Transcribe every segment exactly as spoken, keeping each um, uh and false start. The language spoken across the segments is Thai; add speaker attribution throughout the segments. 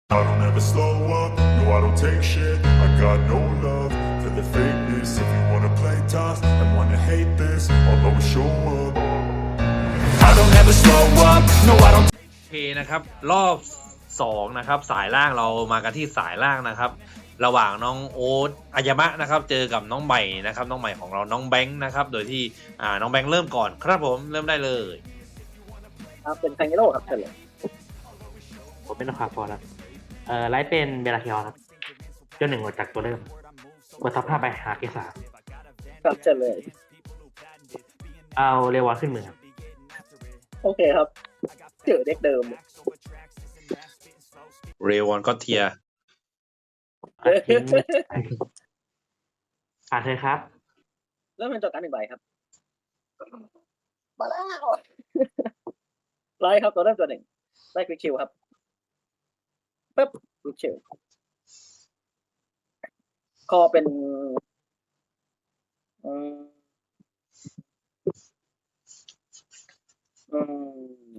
Speaker 1: I don't ever slow up, no I don't take shit. I got no love for the fakeness. If you wanna play tough and wanna hate this, I'll always show up. I don't ever slow up, no I don't.
Speaker 2: โอเคนะครับรอบสองนะครับสายล่างเรามากันที่สายล่างนะครับระหว่างน้องโอ๊ตอายามะนะครับเจอกับน้องใหม่นะครับน้องใหม่ของเราน้องแบงค์นะครับโดยที่อ่าน้องแบงค์เริ่มก่อนครับผมเริ่มได้เลย
Speaker 3: ครับเป็นไคเงโร่ครับเฉลย
Speaker 4: ผมเป็นคาฟอร์ครับเอ่อไลท์เป็นเบลาคิออนครับเจ้าหนึ่งออกจากตัวเริ่มกดทับห้าไปหาเกสา
Speaker 3: ครับเฉลย
Speaker 4: เอาเรวอนขึ้นมือครับ
Speaker 3: โอเคครับเจอเด็กเดิม
Speaker 2: เรวอนก็เทีย
Speaker 4: อ่ะทิ้งผ่านเธอครับ
Speaker 3: แล้วมันจดการหนึ่งใบครับมาแล้วไลท์ครับตัวเริ่มตัวหนึ่งไลท์ควิกชิลครับปึ๊บควิกชิลคอเป็นอืมอืม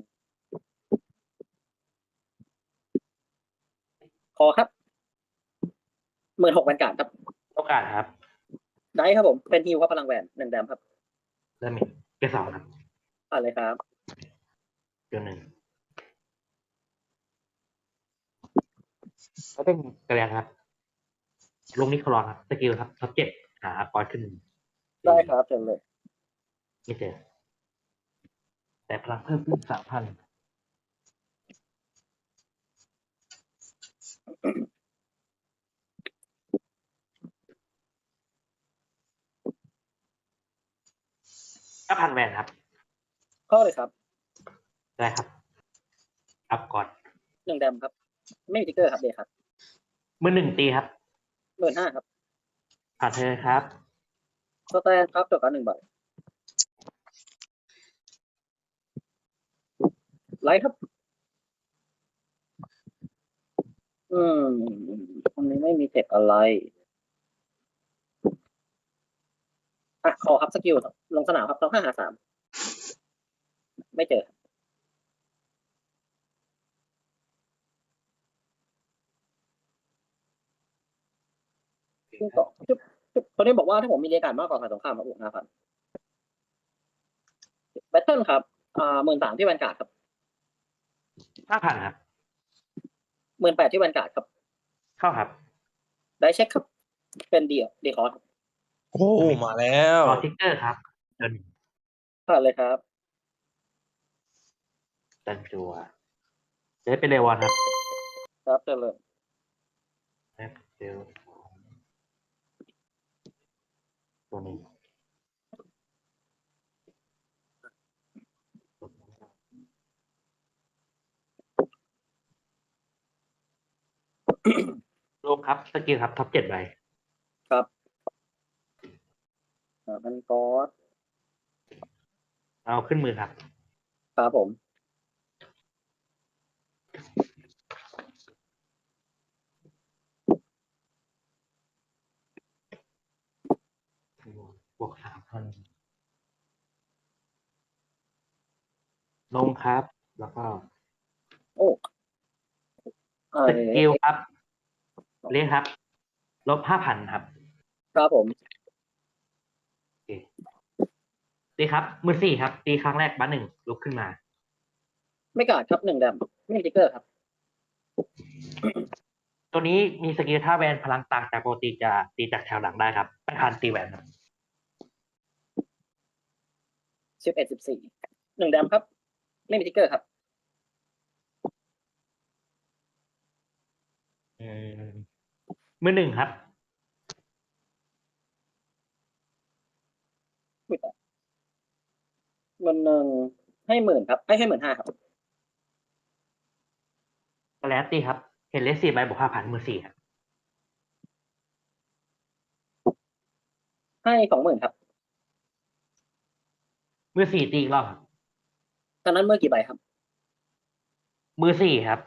Speaker 3: คอครับหมื่นหกบรรกาศครับ
Speaker 4: โอกาสครับ
Speaker 3: ได้ครับผมเป็นฮิวครับพลังแหวนหนึ่งแดมครับ
Speaker 4: เริ่มมีเกสาครับ
Speaker 3: อ่านเลยครับ
Speaker 4: เจ้าหนึ่งแล้วเป็นกระเรียนครับ ลงนิโคลอนครับสกิลครับท็อปเจ็ดหาปอยขึ้น
Speaker 3: ได้ครับเชิญเลย
Speaker 4: ไม่เจอแต่พลังเพิ่มขึ้นสามพันห้าพันแวนครับ
Speaker 3: เข้าเลยครับ
Speaker 4: ได้ครับ อัพก่อน
Speaker 3: หนึ่งแดมครับ ไม่มีติ๊กเกอร์ครับเดย์ครับ
Speaker 4: มือหนึ่งตีครับ
Speaker 3: หมื่นห้าครับ
Speaker 4: ผ่านเธอครับ
Speaker 3: สแตนครับจดการหนึ่งใบไลท์ครับ อืมอันนี้ไม่มีเทคอะไร อ่ะ ขอครับสกิลครับลงสนามครับต้องห้าหาสาม ไม่เจอที่สองจุ๊บจุ๊บคนนี้บอกว่าถ้าผมมีเรียกการมากกว่าฝ่ายตรงข้ามมาบวกห้าพันแบทเทิลครับ อ่าหมื่นสามที่แวนการ์ดครับ
Speaker 4: ห้าพันครับ
Speaker 3: หมื่นแปดที่แวนการ์ดครับ
Speaker 4: เข้าครับ
Speaker 3: ได้เช็คครับ เป็นเดียเดียคอร์ส
Speaker 2: โอ้มาแล้ว
Speaker 4: รอทิกเกอร์ครับเดิน
Speaker 3: ผ่านเลยครับ
Speaker 4: ดันจัวจะได้เป็นเรวอนครับ
Speaker 3: ครับเชิญเลย
Speaker 4: แอปเซลตัวนี้ลงครับสกิลครับท็อปเจ็ดใบ
Speaker 3: ครับอ่ามันกอส
Speaker 4: เอาขึ้นมือครับ
Speaker 3: ครับผม
Speaker 4: บวกสามพันลงครับ แล้วก็
Speaker 3: โอ้อ่า
Speaker 4: สกิลครับเรียกครับ ลบห้าพันครับ
Speaker 3: ครับผม
Speaker 4: โอเคตีครับ มือสี่ครับ ตีครั้งแรกบัตหนึ่งลุกขึ้นมา
Speaker 3: ไม่กาดครับหนึ่งแดมไม่มีติ๊กเกอร์ครับ
Speaker 4: ตัวนี้มีสกิลท่าแวนพลังต่างจากปกติจะตีจากแถวหลังได้ครับไม่ทันตีแวนครับ
Speaker 3: สิบเอ็ดสิบสี่หนึ่งแดมครับ ไม่มีติ๊กเกอร์ครับ
Speaker 4: อืมมือหนึ่งครับ
Speaker 3: มันหนึ่งให้หมื่นครับ ให้ให้หมื่นห้าครับ
Speaker 4: ก็แล้วตีครับ เห็นเลสสี่ใบบวกห้าพันมือสี่ครับ
Speaker 3: ให้สองหมื่นครับ
Speaker 4: มือสี่ตีอีกรอบครับ
Speaker 3: ตอนนั้นเมื่อกี่ใบครับ
Speaker 4: มือสี่ครับ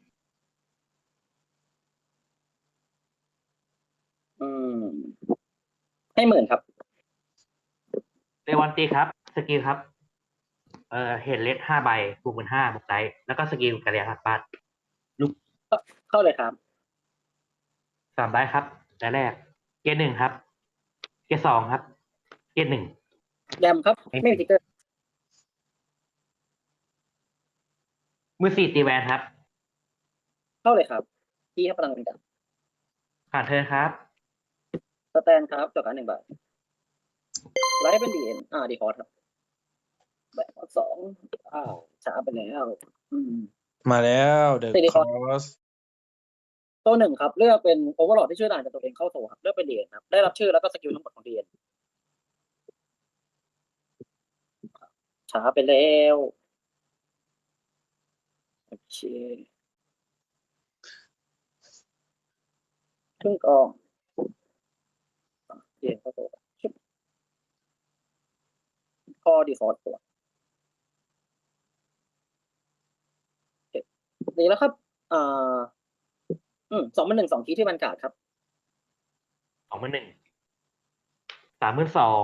Speaker 3: อืม ให้หมื่นครับ
Speaker 4: เรวันตีครับ สกิลครับ เอ่อเห็นเลสห้าใบบวกหมื่นห้าบวกไดแล้วก็สกิลกระเรียนหักบาทลุก
Speaker 3: เข้าเลยครับ
Speaker 4: สามได้ครับได้แรก เกรดหนึ่งครับ เกรดสองครับ เกรดหนึ่ง
Speaker 3: แยมครับ
Speaker 4: ไม่มี
Speaker 3: ไม่มีทิกเกอร์
Speaker 4: มือสี่ตีแวนครับ
Speaker 3: เข้าเลยครับที่ให้พลังเป็นกัน
Speaker 4: ผ่านเธอครับ
Speaker 3: สแตนครับจดการหนึ่งใบไลท์เป็นดีเอ็นอ่าดีคอร์สครับใบคอร์สสองอ้าวช้าไปแล้วอืม
Speaker 2: มาแล้วเดอะ
Speaker 3: สี่ดี
Speaker 2: ค
Speaker 3: ค
Speaker 2: อ
Speaker 3: อร์ส
Speaker 2: ส
Speaker 3: ตัวหนึ่งครับ เลือกเป็นโอเวอร์ลอดที่ช่วยด่านจากตัวเองเข้าโซ่ครับเลือกเป็นดีเอ็นครับได้รับชื่อแล้วก็สกิลทั้งหมดของดีเอ็นช้าไปแล้วโอเคครึ่งกองดีเอ็นเข้าโซ่ชุบคอดีคอร์สตัวโอเคดีแล้วครับอ่าอืมสองเป็นหนึ่งสองคีย์ที่บรรกาศครับ
Speaker 4: สองมือหนึ่ง สามมือสอง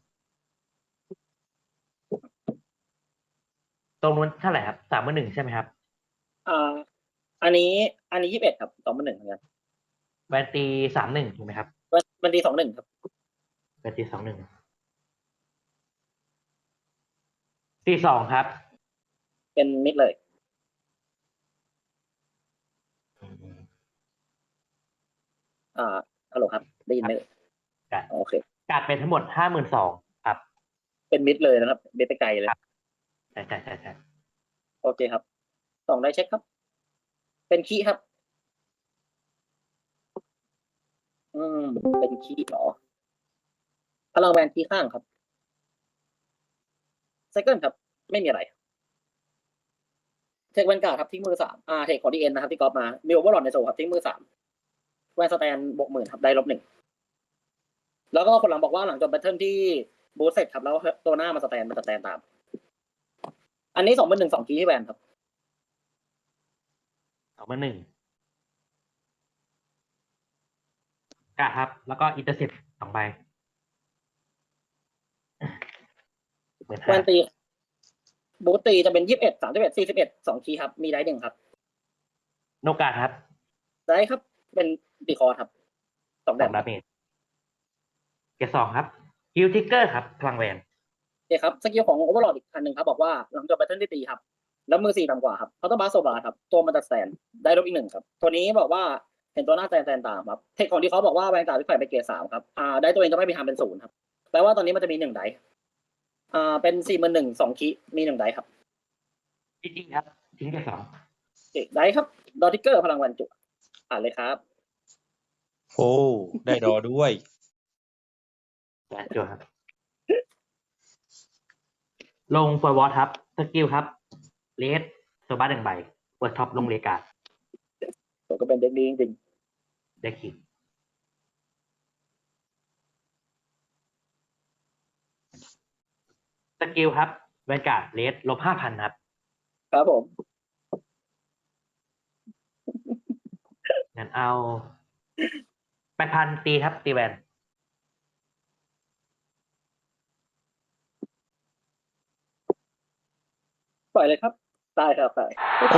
Speaker 4: ตรงนู้นเท่าไหร่ครับ สามมือหนึ่งใช่ไหมครับ
Speaker 3: อ่า อันนี้ อันนี้ยี่สิบเอ็ดครับสองเป็นหนึ่งเหมือนกัน
Speaker 4: แวนตีสามหนึ่งถูกไหมครับ
Speaker 3: มันมันดีสองหนึ่งครับ
Speaker 4: แวนตีสองหนึ่ง ตีสองครับ
Speaker 3: เป็นมิดเลย อ่าฮัลโหลครับได้ยินไหม
Speaker 4: ครับ
Speaker 3: โอเค
Speaker 4: การเป็นทั้งหมดห้าหมื่นสองครับ
Speaker 3: เป็นมิดเลยนะครับเบสไปไกลเลย
Speaker 4: ครับ ใช่ใช่ใช่ใช่
Speaker 3: โอเคครับสองได้เช็คครับ เป็นคีย์ครับ อืม เป็นคีย์เหรอพลังแวนคีย์ข้างครับไซเคิลครับ ไม่มีอะไร เทคแวนการ์ดครับทิ้งมือสามอ่าเทคของดีเอ็นนะครับที่กอล์ฟมามีโอเวอร์ลอดในโซ่ครับทิ้งมือสามแวนสแตนบวกหมื่นครับได้ลบหนึ่งแล้วก็คนหลังบอกว่าหลังจบแบทเทิลที่บูสเสร็จครับแล้วตัวหน้ามาสแตนมาสแตนตาม อันนี้สองเป็นหนึ่งสองคีย์ที่แวนครับ
Speaker 4: สองมือหนึ่งกาดครับ แล้วก็อินเตอร์เซ็ปสองใบเหมือน
Speaker 3: แว
Speaker 4: ห้าน
Speaker 3: ตีบูสตีจะเป็นยี่สิบเอ็ดสามสิบเอ็ดสี่สิบเอ็ดสองคีย์ครับมีได้หนึ่งครับ
Speaker 4: โนกาดครับ
Speaker 3: ได้ครับ เป็นดีคอร์ครับสอง
Speaker 4: ส
Speaker 3: แบ
Speaker 4: อบ งดาเมจเกรดสองครับฮิลทิกเกอร์ครับพลังแวน
Speaker 3: โอเคครับสกิลของโอเวอร์ลอดอีกอันหนึ่งครับบอกว่าหลังจบแบทเทิลที่ตีครับแล้วมือสี่ต่ำกว่าครับเขาต้องบาสโซบาครับตัวมันจะสแตนได้ลบอีกหนึ่งครับตัวนี้บอกว่าเห็นตัวหน้าแตนแตนตามครับเทคของที่เขาบอกว่าแวนการ์ดที่ใส่ไปเกรดสามครับอ่าได้ตัวเองจะไม่มีทางเป็นศูนย์ครับแปลว่าตอนนี้มันจะมีหนึ่งไดส์อ่าเป็นสี่หมื่นหนึ่งสองคีย์มีหนึ่งไดส์ครับ
Speaker 4: จริงๆครับ ทิ้งเกรดสอง
Speaker 3: โอเคไดส์ครับดอทิกเกอร์พลังแวนจุอ่านเลยครับ
Speaker 2: โอ้ได้ดอด้วย
Speaker 4: และจวครับ ลงฟอร์วอร์ดครับ สกิลครับเลสโซบัสหนึ่งใบเปิดท็อปลงเลกาด
Speaker 3: ผมก็เป็นเด็กดีจริง
Speaker 4: ได้คิดสกิลครับแวนการ์ดเลสลบห้าพันครับ
Speaker 3: ๆครับผม
Speaker 4: งั้นเอาแปดพันตีครับ ตีแวน
Speaker 3: ปล่อยเลยครับตายครับตาย
Speaker 2: โอ้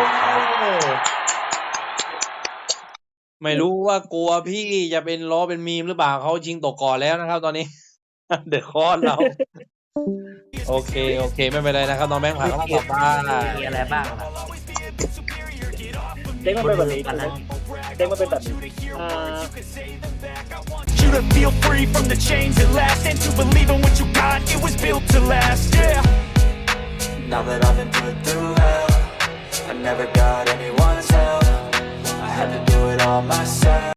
Speaker 2: ไม่รู้ว่ากลัวพี่จะเป็นล้อเป็นมีมหรือเปล่าเขาชิงตกก่อนแล้วนะครับ ตอนนี้ เดือดคอนเรา โอเค โอเค ไม่เป็นไรนะครับน้องแบงค์ผ่านเข้ามาตอบได้
Speaker 4: มีอะไรบ้างครับ
Speaker 3: เด็กมันเป็นแบบนี้เด็กมันเป็นแบบนี้อ่า
Speaker 1: You to feel free from the chains at last, and to believe in what you got, it was built to last, yeah. Now that I've been put through hell, I never got anyone's help, I had to do it all myself.